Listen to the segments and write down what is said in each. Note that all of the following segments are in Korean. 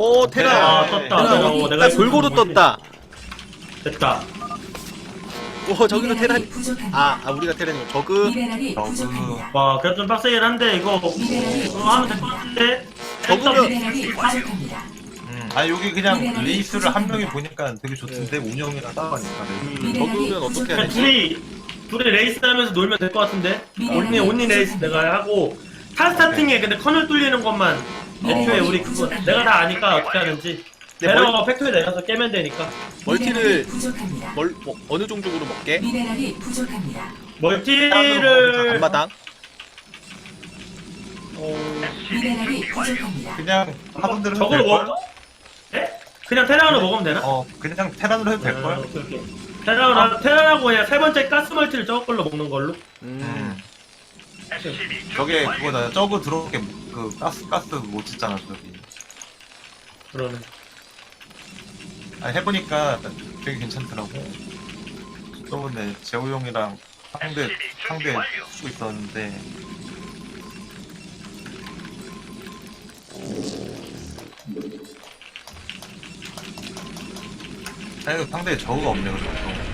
오 테라. 아, 떴다. 테라 내가 딱 골고루 떴다. 됐다. 오 저기도 테라. 미네랄이 부족합니다. 아 우리가 테라니고 저그. 미네랄이 부족합니다. 와, 그래도 좀 빡세긴 한데 이거 하면 될 것 같은데. 적으면- 미네랄이 부족합니다. 아니 여기 그냥 레이스를 한 명이 보니까 되게 좋던데 운영이랑 따라가니까. 적으면 어떻게 해야 그냥 되지? 둘이 레이스 하면서 놀면 될 것 같은데. 미네랄이 온리 레이스 내가 하고 타 스타팅에 근데 커널 뚫리는 것만 애초에 우리 그거 내가 다 아니까 어떻게 하는지. 네, 배러 팩토리 내려서 깨면 되니까. 멀티를 미네랄이 부족합니다. 뭐, 어느 종족으로 먹게? 미네랄이 부족합니다. 멀티를 앞마당. 미네랄이 부족합니다. 그냥 하던대로 저걸 될 걸. 먹어? 네? 그냥 테란으로 먹으면 되나? 그냥 테란으로 해도 될 걸. 오케이, 오케이. 테란하고 그냥 세 번째 가스 멀티를 저거 걸로 먹는 걸로. 저게 그거다. 저거 들어오게 그 가스 못 짓잖아 저기. 그러네. 아니 해보니까 되게 괜찮더라고. 저번에 재호 형이랑 상대 쓰고 있었는데. 아니 상대에 저우가 없네 그래서.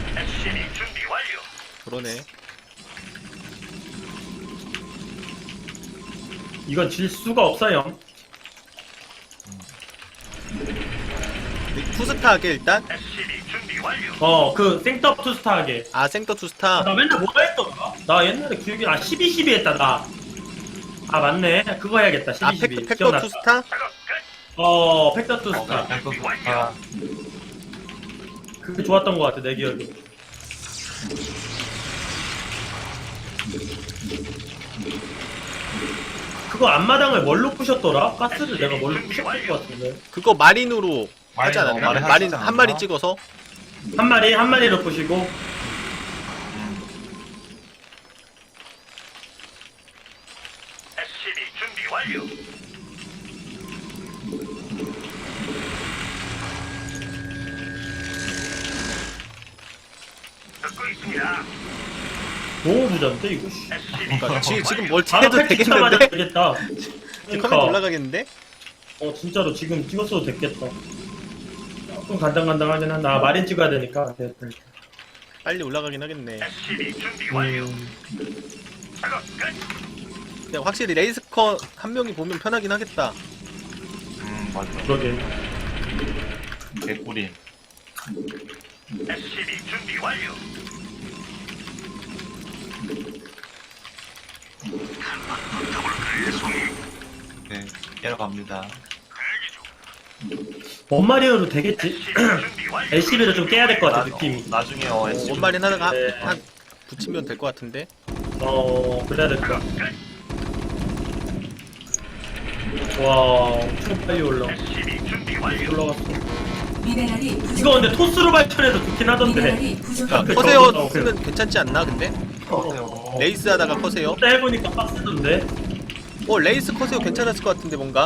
그러네. 이건 질 수가 없어요. 투스타 하게 일단. 그 생떡 투스타 하게. 아 생터 투스타. 나 맨날 뭐가 했더라? 나 옛날에 기억이 12 했다 나. 아 맞네. 그거 해야겠다. 12 아 12. 팩터 기억났다. 투스타? 팩터 투스타. 아, 그게 좋았던 것 같아 내 기억에. 그거 앞마당을 뭘로 부셨더라? 가스를 내가 뭘로 부셨을 것 같은데. 그거 마린으로 하지 마린, 않았나? 마린 마린 하지 한 마리 않았나? 찍어서. 한 마리로 부시고. 너무 부자인데 이거. 씨. 그러니까 지금 바로 멀티해도 팩 찍자마자 되겠는데? 되겠다. 지금 그러니까. 화면 올라가겠는데? 진짜로 지금 찍었어도 됐겠다. 조금 간당간당하긴 한다. 마린 찍어야 되니까. 됐다. 빨리 올라가긴 하겠네. 음, 근데 확실히 레이스커 한 명이 보면 편하긴 하겠다. 맞아. 그러게. 개꿀이. 네, 깨러 갑니다. 원마리오로 되겠지? LCB를 좀 깨야 될 것 같아 느낌이. 나중에 원마린 하다가 네. 한 붙이면 될 것 같은데. 그래야 될 것 같아. 와, 엄청 빨리 올라갔어. 미네랄이 부족. 이거 근데 토스로 발전해도 좋긴 하던데. 미네랄이 부족합니다. 커세어 쓰면 괜찮지 않나 근데? 어, 레이스 하다가 커세어? 그때 해보니까 빡세던데. 레이스 커세어 괜찮았을 것 같은데 뭔가?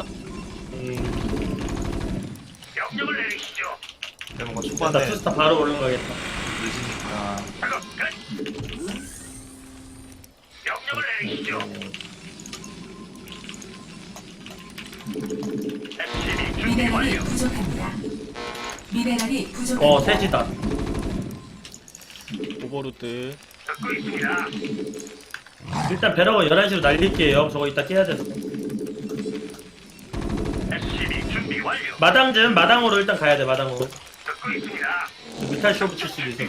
근데 뭔가 나 초반에 투스타 바로 올라가겠다. 늦으니까 미네랄이 부족합니다. 미네랄이 부족합니다. 세지다. 오버로드. 일단 배럭은 11시로 날릴게요. 저거 이따 깨야 돼서. 마당으로 일단 가야 돼, 마당으로. 미탈 쇼 붙일 수도 있어.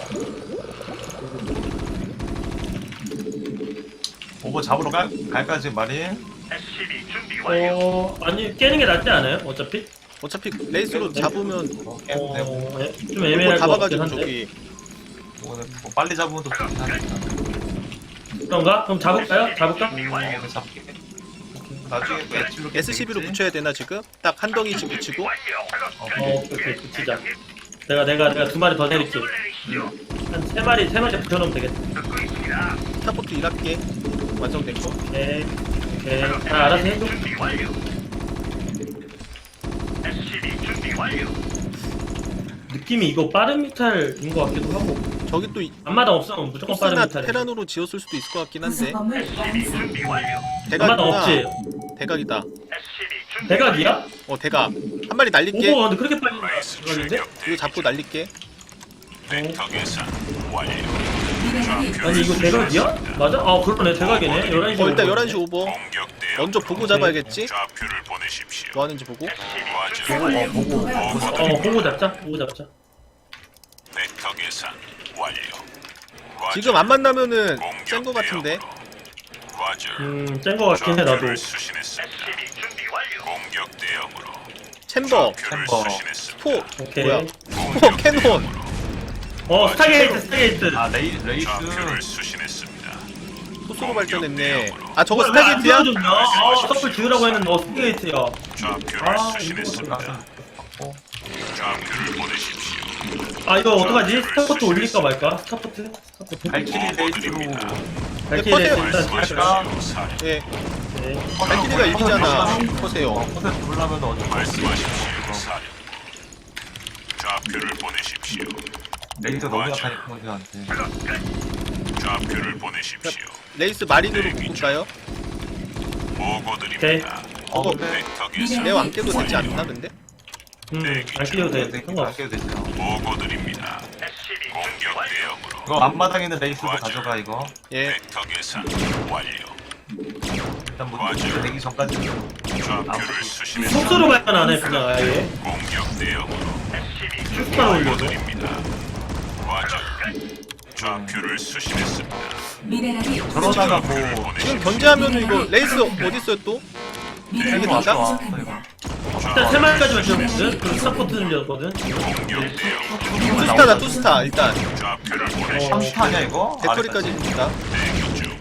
오버 잡으러 갈까 지금 마린? 아니, 깨는 게 낫지 않아요? 어차피? 어차피 레이스로 잡으면 깨도 되고 좀 이거 애매할 것 같긴 잡아가지고 한데. 저기 이거는 뭐 빨리 잡으면 더 좋긴 하니까. 그런가? 그럼 잡을까요? 잡을까? 오늘 잡게. 나중에 또 엣지로 SCB로 붙여야 되나 지금? 딱 한 덩이씩 붙이고. 오케이, 붙이자. 내가 두 마리 더 내릴게. 한 세 마리 붙여놓으면 되겠다. 스타포트 일할게. 완성된 거. 오케이. 알아서 해줘. 느낌이 이거 빠른 미탈인 것 같기도 하고. 저기 또 앞마당 없으면 무조건 빠른 토스나 미탈. 테란으로 지었을 수도 있을 것 같긴 한데. 구성 건물 완성. 앞마당 대각이구나. 없지? 대각이다. 대각이야? 대각. 한 마리 날릴게. 오버 근데 그렇게 빨리 들어가는데? 이거 잡고 날릴게. 벡터 계산 완료. 미네랄이 아니 이거 대각이야? 맞아? 아 그러네 대각이네 11시 일단 11시 오버. 공격 대응. 먼저 보고 잡아야겠지? 좌표를 보내십시오. 뭐 하는지 보고. 과절. 보고 잡자 보고 잡자 벡터 계산 완료. 과절. 지금 안 만나면은 센 거 같은데. 과절. 짠거 같긴 해 나도 좌표를 수신했습니다. 공격 대응으로. 챔버, 좌표를 챔버. 수신했습니다. 포, 오케이 뭐야? 포, 캐논. 스타게이트 아 레이스 좌표를 수신했습니다. 소수로 발전했네. 아 저거 스타게이트야? 서플 지으라고 했는데 스타게이트야 좌표를 아, 수신했습니다. 좌표를 보내십시오. 아 이거 어떡하지? 스타포트 올릴까 말까? 스타포트? 발키리 레이스로 발키리 퍼세요. 일단 할까? 사령. 예. 네. 발키리가 이기잖아. 보세요. 퍼센트 누르려면 어쩔 수 없지. 말씀하십시오. 사령. 좌표를 보내십시오. 레이스 너무 약하니까 퍼센트한테. 좌표를 보내십시오. 레이스 마린으로 묶을까요? 보고드립니다. 근데 벡터 계산 내가 안 깨도 되지 않나 근데? 안 끼워도 돼 네, 상관없어 아껴도 되죠. 보고드립니다. 공격 대응으로. 이거 앞마당에 있는 레이스도 가져가 이거. 예. 벡터 계산 완료. 일단 뭐 되기 전까지 좌표를 수신했습니다. 속수로 발전 안해 그냥 아예 공격 대응으로. 슈스타로 올려줘 보고드립니다. 과절. 좌표를 수신했습니다. 미네랄이 저러다가 뭐 지금 견제하면은 이거 레이스 어디 있어요 또? 미네랄이 이게 맞아? 부족합니다. 일단 3마리까지만 지었거든 그리고 스타포트 늘렸거든 공격 대응. 투스타다 투스타 일단 좌표를 보내십시오. 30타 아니야 이거? 배터리까지 줍니다. 대기 중.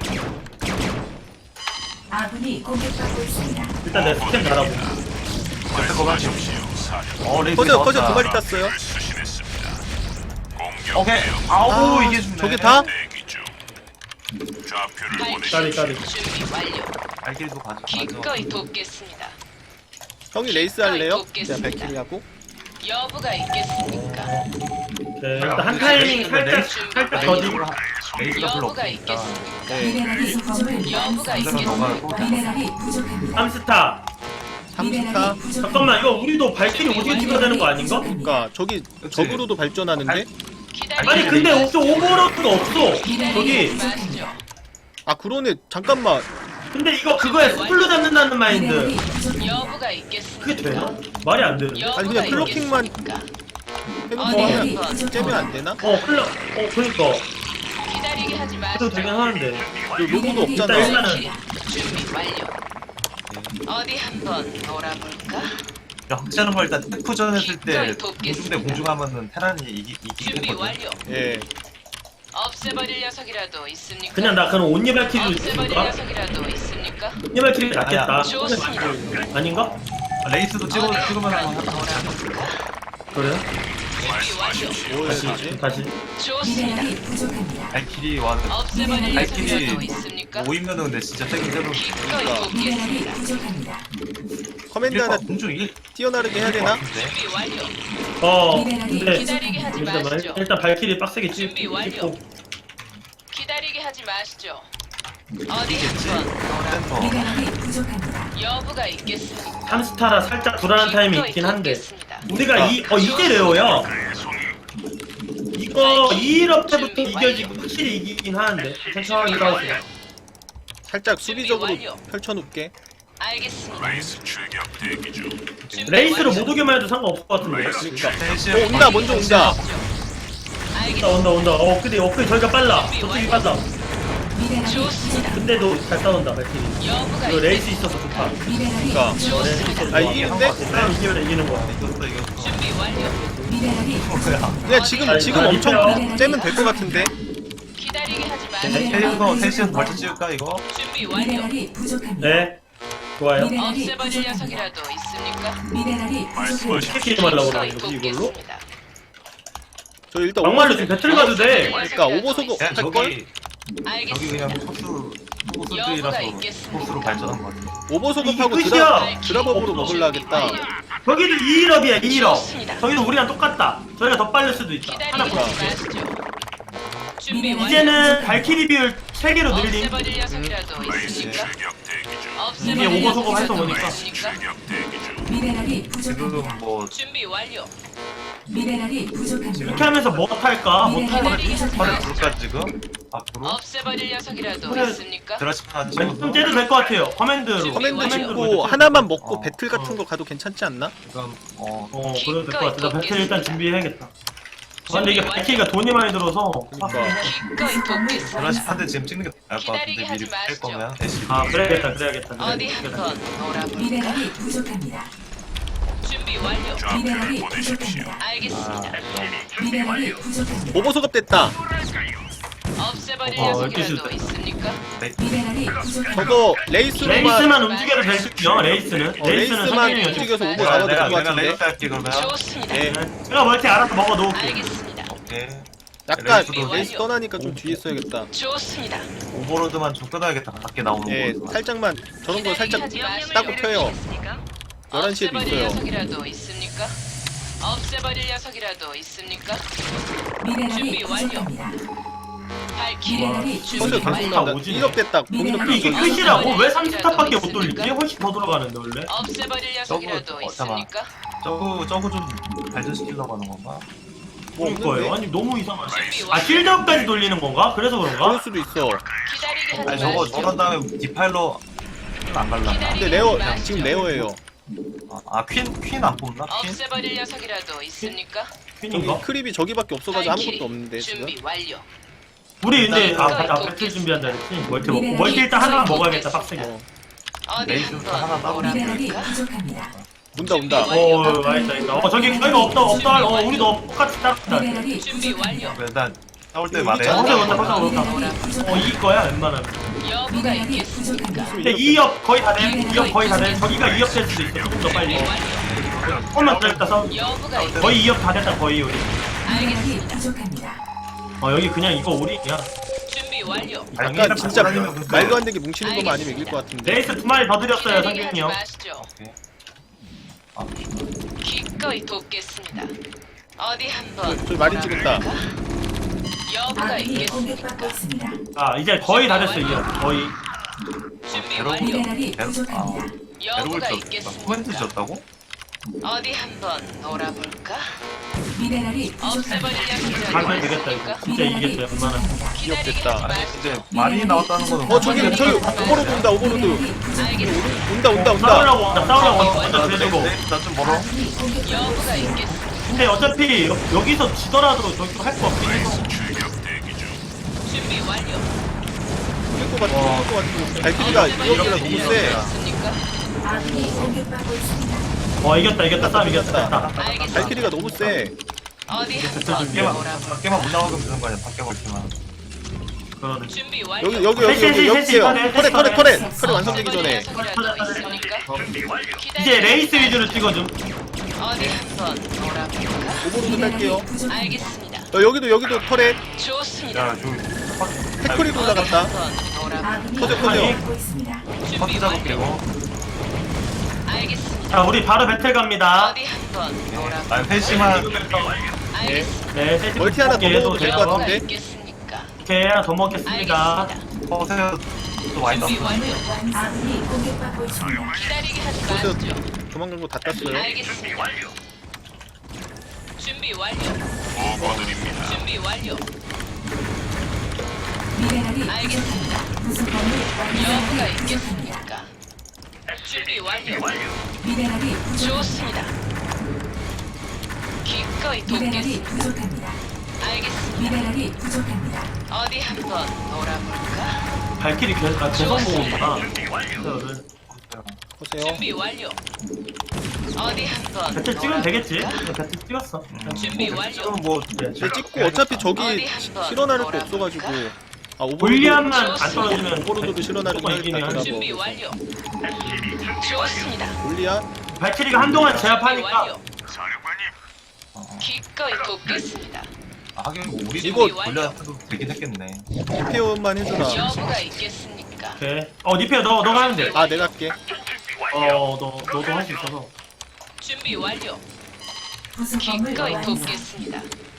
아군이 공격받고 있습니다. 일단 내 스캔 달아보고 말씀하십시오. 사령. 레이스 퍼져 퍼져 나왔다. 두 마리 땄어요. 수신했습니다. 공격 오케이. 대응. 아우 아, 이게 죽네. 저게 다? 대기 중. 좌표를 까리 보내십시오. 까리 준비 완료. 발길도 가져. 기꺼이 돕겠습니다. 형이 레이스 할래요? 돕겠습니다. 제가 백킬이 하고. 여부가 있겠습니까? 네, 일단 한 타이밍 살짝 더디고 레이스가 별로 여부가 없으니까. 있겠습니까? 네. 미네랄이 부족합니다. 여부가 이거는 너가 있겠습니까? 미네랄이 부족합니다. 3스타 3스타. 미네랄이 부족합니다. 잠깐만 이거 우리도 발키리 오지게 찍어야 되는 거 아닌가? 그러니까 저기 적으로도 발전하는데. 아니 근데 없어 오버로드가 없어 저기 마시죠. 아 그러네. 잠깐만. 근데 이거 그거야 스플로 잡는다는 마인드 미네랄이 부족합니다. 여부가 그게 있겠습니까? 되나? 말이 안 되는데 아니, 그냥 클로킹만 있겠습니까? 해놓고 미네랄이 하면 부족합니다. 째면 안 되나? 그니까 기다리게 하지 그래도 되긴 마시죠. 하는데 그 로고도 없잖아. 일단 일단은 준비 완료. 어디 한번 놀아볼까? 확실한 거 일단 테프전 했을 때 기꺼이 공중 돕겠습니다. 대 공중하면은 테란이 이기긴 준비 했거든. 완료. 예. 없애버릴 녀석이라도 있습니까? 그냥 나 그럼 온니 발키리를 없애버릴 줄까? 녀석이라도 있습니까? 온니 발키리 낫겠다 좋습니다. 아닌가? 레이스도 찍으면 한번 그래? 준비 완료. 뭐 해야 다시 되지? 다시 좋습니다. 미네랄이 부족합니다. 발키리 와도 없애버릴 발키리 녀석이라도 있습니까? 모이면은 근데 진짜 세긴 세로. 기꺼이 미네랄이 돕겠습니다. 부족합니다. 커맨드 하나 공중 일 뛰어나르게 해야 되나? 준비 완료. 근데 기다리게 하지 일단 마시죠. 일단 발키리 빡세게 준비 완료. 찍고 기다리게 하지 마시죠. 어디 한번 센터. 미네랄이 부족합니다. 여부가 있겠습니까? 3스타라 살짝 불안한 타임이 기꺼이 있긴 한데 돕겠습니다. 우리가 이게 레어야 이거 2일업 때부터 이겨지고 확실히 이기긴 하는데 천천히 싸우세요 살짝 수비적으로 준비 완료. 펼쳐놓게. 알겠습니다. 레이스 출격 대기 중. 준비 레이스로 완료. 못 오기만 해도 상관없을 것 같은데 어 온다 먼저 온다. 알겠습니다. 온다 근데 저희가 빨라 저쪽이 빨라 미네랄이 좋습니다. 근데도 잘 싸운다 발키리 여부가 이거 레이스 있겠습니까? 있어서 좋다 미네랄이 그러니까. 좋습니다. 아 이기는데? 사람 이기면 이기는 거야 이겼어. 준비 완료. 미네랄이 뭐야? 그냥 지금 엄청 째면 될 것 같은데. 기다리게 하지 네. 마시죠. 셋이서 벌써 찍을까 이거? 준비 완료. 미네랄이 부족합니다. 네 좋아요 미네랄이 없애버릴 부족합니다. 녀석이라도 있습니까? 미네랄이 부족합니다. 어떻게 말라고 기꺼이 그러는 거지 이걸로? 돕겠습니다. 저 일단 막말로 지금 배틀 가도 돼 그러니까 오버소그 그냥 할 걸? 저기 알겠습니다. 그냥 소스들이라서 소스로 발전한 거 같아. 오버소급하고 이게 끝이야. 드랍업으로 먹으려 하겠다. 저기도 2일업이야 2일업 좋습니다. 저기도 우리랑 똑같다 저희가 더 빨릴 수도 있다 하나 기다리게 하지 보여줄게 마시죠. 준비 완료. 이제는 발키리 비율 3개로 늘림 없애버릴 녀석이라도 레이스 있습니까? 출격 대기 중. 없애버릴 이게 오버소급 녀석이라도 활성화니까. 있습니까? 출격 대기 중. 미네랄이 지금 부족합니다. 뭐 준비 완료. 미네랄이 부족합니다. 이렇게 하면서 뭐 탈까? 뭐 탈까? 기다리게 하지 털에 마시죠. 부를까 지금? 앞으로? 없애버릴 녀석이라도 그래. 있습니까? 드라시판 안 좀 찍어서 째도 될 것 같아요. 커맨드로. 커맨드 완료. 찍고 하나만 먹고 어. 배틀 같은 거 가도 괜찮지 않나? 지금 그래도 될 것 같아. 나 배틀 일단 준비해야겠다. 근데 이게 배틀가 돈이 많이 들어서. 그러니까. 기꺼이 돕겠습니다. 드라시판데 지금 찍는 게 나을 것 같은데 기다리게 미리 하지 뺄 거면 대시 아, 그래야겠다. 어디 한번 놀아볼까? 미네랄이 부족합니다. 준비 완료. 미네랄이 좌표를 보내십시오. 부족합니다. 알겠습니다. 미네랄이 부족합니다. 오버 소급 됐다. 없애버릴 어, 녀석이라도 이렇게 있습니까? 미네랄이 부족합니다. 저거 레이스로만 레이스만 움직여도 될수요 레이스는. 레이스만 성균이 움직여서 오버 내가 잡아도 내가 될 것 내가 같은데. 레이스 할게 그러면 좋습니다. 예. 제가 멀티 알아서 먹어 놓을게. 알겠습니다. 오케이 약간 레이스로 레이스 떠나니까 좀 뒤에 써야겠다. 좋습니다. 오버로드만 좀 끊어야겠다 밖에 나오는 예, 거 살짝만 저런 거 살짝 기다리게 하지 따고 마시죠. 펴요. 11시에도 없애버릴 있어요. 녀석이라도 있습니까? 없애버릴 녀석이라도 있습니까? 미네랄이 준비 완료. 부족합니다. 발키리 미네랄이 펀드 준비 계속 완료. 나온다. 오지네. 1업 됐다. 공인업 근데 이게 됐어. 끝이라고? 왜 30탑밖에 못 돌리지? 훨씬 더 들어가는데 원래? 없애버릴 녀석이라도 잠깐만. 있습니까? 저거 좀 발전시키려고 하는 건가? 뭐 그럴 거예요. 없는데? 아니 너무 이상하지. 준비 아 완료. 실드업까지 돌리는 건가? 그래서 그럴 그런가? 수도 있어. 기다리게 하지 아니 저거 마시죠. 저런 다음에 디파일러 안 갈라나? 근데 레어 지금 레어예요. 퀸 안 뽑나? 퀸? 없애버릴 녀석이라도 있습니까? 저기 퀸인가? 크립이 저기밖에 없어가지고 발키리 아무것도 없는데 지금. 준비 완료. 우리 근데 일단 배틀 준비한다 그랬지? 멀티 먹고 멀티 일단 하나 먹어야겠다 빡세게. 어, 어디 레이스 하나 한번 따로 미네랄이 놀아볼까? 부족합니다. 온다 온다. 맛있다. 저기 이거 없다. 우리도 똑같이 따랐다. 미네랄이 준비 부족합니다. 완료. 일단 싸울 때 여기 말해. 있잖아. 미네랄이 부족합니다. 이길 거야 웬만하면. 여부가 미네랄이 있겠습니까? 부족합니다. 근데 2업 거의 다 돼. 2업 거의 다 돼. 저기가 2업 될 수도 있어. 조금 더 빨리. 준비 완료. 조금만 기다렸다 싸우. 여부가 있. 거의 2업 다 됐다 거의 우리. 미네랄이 알겠습니다. 부족합니다. 여기 그냥 이거 우리 그냥 준비 완료. 약간 진짜 다니면 근데- 말도 안 되게 뭉치는 것만 아니면 이길 것 같은데. 레이스 2마리 더 드렸어요 기다리게 상균이 하지 형. 마시죠. 기꺼이 돕겠습니다. 어디 한번 저 마린 찍었다. 여부가 아군이 공격받고 있겠습니까? 있습니다. 아 이제 거의 다 됐어 이제 거의. 준비 괴로운 완료. 미네랄이 괴롭- 부족합니다. 에로를 여부가 졌다. 코멘트 있겠습니까? 졌다고? 어디 한번 놀아볼까? 미네랄이 없애버릴 부족합니다. 가면 녀석이라도 되겠다 있습니까? 이거. 진짜 이기겠다 웬만하면. 기다리게 기억됐다. 하지 아니 마시죠. 근데 말이 나왔다는 거는 저기 오버로드 온다 오버로드. 미네랄이 부족합니다. 온다. 싸우려고 온다 싸우려고 그래도 나좀 멀어. 아군이 공격받고 여부가 있습니다. 있겠습니까? 근데 어차피 여기서 지더라도 저기로 할 거 없긴 해서 출격 대기 중. 준비 완료. 이길 것 같은 발키리가 이어기라 너무 세. 있습니까? 아군이 공격받고 있습니다. 이겼다 싸움 이겼다. 알겠습니다. 발키리가 너무 세. 어디 한번 밖에만 놀아볼까? 밖에만 못 나가게 되는 거 아니야? 밖에 걸기만. 그러네. 준비 완료. 여기요. 셋이, 터렛 완성되기 전에. 녀석이라도 있습니까? 이제 레이스 위주로 찍어줌. 어디 한번 놀아볼까? 오버로드 딸게요. 부족합니다. 알겠습니다. 여기도 터렛. 좋습니다. 야 저기 태클이 올라갔다. 한번 놀아볼까? 아군이 터져. 공격받고 있습니다. 준비 퍼트 잡을게 완료. 이거. 알겠습니다. 자 우리 바로 배틀 갑니다. 어디 한번 놀아볼까? 아니 패시만 알겠습니다. 네 셋이 멀티 하나 더 먹게도 먹어도 될것 돼요. 여부가 같은데? 있겠습니까? 오케이 하나 더 먹겠습니다. 알겠습니다. 퍼세요 또 많이 준비 땄어. 완료. 아군이 공격받고 있습니다. 기다리게 하지 벌써 마시죠. 도망간 거 다 땄어요. 알겠습니다. 준비 완료. 보고드립니다. 준비 완료. 미네랄이 알겠습니다. 부족합니다. 구성범을 여부가 완성하기 부족합니다. 있겠습니까? 준비 완료. 미네랄이 부족합니다. 좋습니다. 기꺼이 미네랄이 돕겠습니다. 부족합니다. 알겠습니다. 미네랄이 부족합니다. 어디 한번 놀아볼까? 발길이 계속 모으구나. 보세요. 준비 완료. 어디 한번 배틀 찍으면 되겠지? 놀아볼까? 배틀 찍었어. 준비 완료. 지금 뭐 근데 찍고 어차피 저기 어디 한번 실어나를 게 놀아볼까? 없어가지고. 아 오버로드. 골리앗만 안 떨어지면 오버로드도 실어나를 무조건 이기네. 하겠다. 준비 완료. 좋습니다. 골리앗. 발키리가 한동안 준비 제압하니까 완료. 기꺼이 돕겠습니다. 하긴 뭐 우리 이거 돌려도 되긴 했겠네. 리페어만 해주라. 여부가 있겠습니까? 오케이. 니페어 너가 하면 돼. 아 내가 할게. 너도 할 수 있어서. 준비 완료. 구성범을 기꺼이 완성. 돕겠습니다.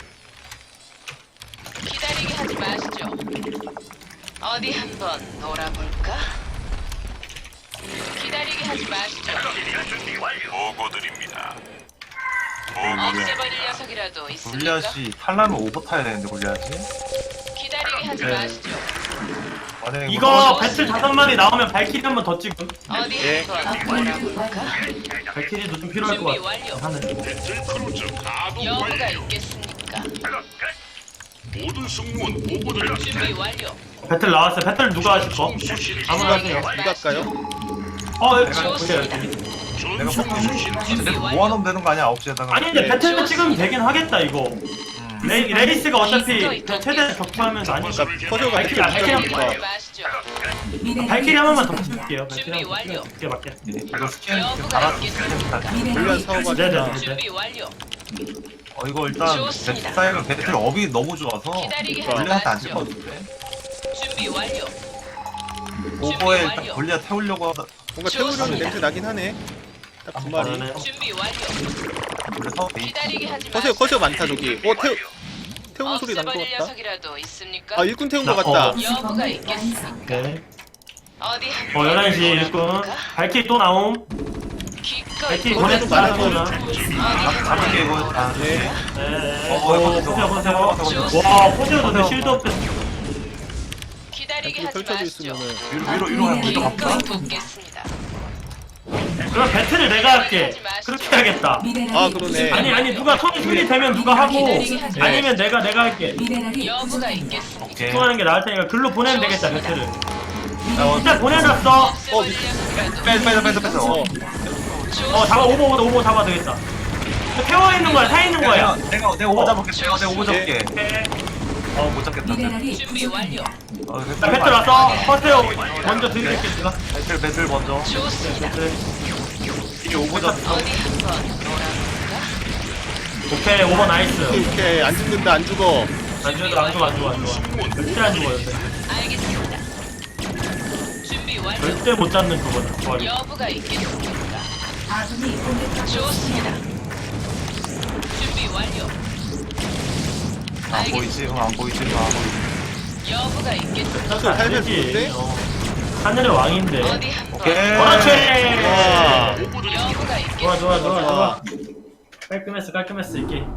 기다리게 하지 마시죠. 어디 한번 놀아볼까? 기다리게 기다리게 하지 마시죠. 보고드립니다. 보고드립니다. 없애버릴 녀석이라도 있습니까? 골리앗이 탈라면 오버 타야 되는데 골리앗이. 기다리게 하지 네. 마시죠. 만약에 이거 배틀 5마리 나오면 발키리 한 번 더 찍음. 어디 예. 한번 알아볼까? 발키리도 좀 필요할 것 준비 완료. 같아. 하늘. 배틀크루즈 가동 여부가 완료. 있겠습니까? 모든 승무원 보고드립니다. 준비 완료. 배틀 나왔어요. 배틀 누가 하실 거? 수신 아무나 하세요. 누가 할까요? 좋습니다. 내가 수신 준비 완료. 모아놓으면 되는 거 아니야 9시에다가. 아니 근데 네. 배틀도 찍으면 되긴 하겠다 이거. 레이스가 어차피 디스코 최대 격투하면서 아니까. 퍼즐 발키리 같은 발키리 거 한 붙잡으니까. 번. 하지 마시죠. 미네랄이 발키리 한 번만 더 부족합니다. 찍을게요. 준비 완료. 이게 맞게. 이거 스캔 여부가 달아서 있겠습니까? 스캔 다. 미네랄이 골리앗 사오가 네네. 다 준비 완료. 이거 일단 좋습니다. 배틀 사이가 배틀 업이 너무 좋아서 기다리게 하지 골리앗한테 안 마시죠. 찔 것 같은데. 준비 완료. 오버에 완료. 일단 골리앗 태우려고 하다 뭔가 태우려는 좋습니다. 냄새 나긴 하네. 딱 두 마리. 준비 완료. 그래서 기다리게 하지 커세어 마시죠. 커세어 많다 저기. 태우는 소리 난 것 없애버릴 같다. 녀석이라도 있습니까? 아 일꾼 태운 것 같다. 여부가 있겠습니까? 네. 어디 한번 11시 일꾼. 발키리 또 나옴. 기꺼이 발키리 보내도 보내서 많아, 나오나. 잡을게 이거. 아, 네. 네. 보세요, 보세요. 와, 포즈도 근데 실드 없대. 기다리게 이렇게 하지 펼쳐져 마시죠. 있으면은 위로 하면 위로 기꺼이 갈까? 돕겠습니다. 그럼 배틀을 내가 할게. 그렇게 해야겠다. 미네랄이 아, 그러네. 부족합니다. 아니 누가 손이 순이 되면 누가 하고 네. 아니면 내가 할게. 미네랄이 여부가 부족합니다. 있겠습니까? 오케이. 집중하는 게 나을 테니까 글로 보내면 되겠다 배틀을. 미네랄이 일단 보내놨어. 없애버릴 녀석이라도 빼. 잡아 오버 잡아 되겠다. 태워 있는 거야, 타 있는 거야. 내가 오버 잡을게. 내가 오버 잡을게. 오케이. 못 잡겠다. 미네랄이 준비 완료. 자 배틀 왔어. 퍼세요. 먼저 드릴게 제가. 배틀 먼저. 좋습니다. 배틀. 이게 오버 잡. 어디 한번 놀아볼까? 오케이 오버 나이스. 오케이 안 죽는다 안 죽어. 안 죽어. 절대 안 죽어요. 알겠습니다. 준비 완료. 절대 못 잡는 그거는. 좋아요. 여부가 있겠습니까? 아군이 공격받고 좋습니다. 준비 완료. 안 보이지? 안 보이지? 여부가 있겠습니까? 또 할배 되지. 좋은데? 하늘의 왕인데. 어디 한번 오케이. 그렇지. 와. 여부가 있겠습니까? 좋아. 깔끔했어 이 게임.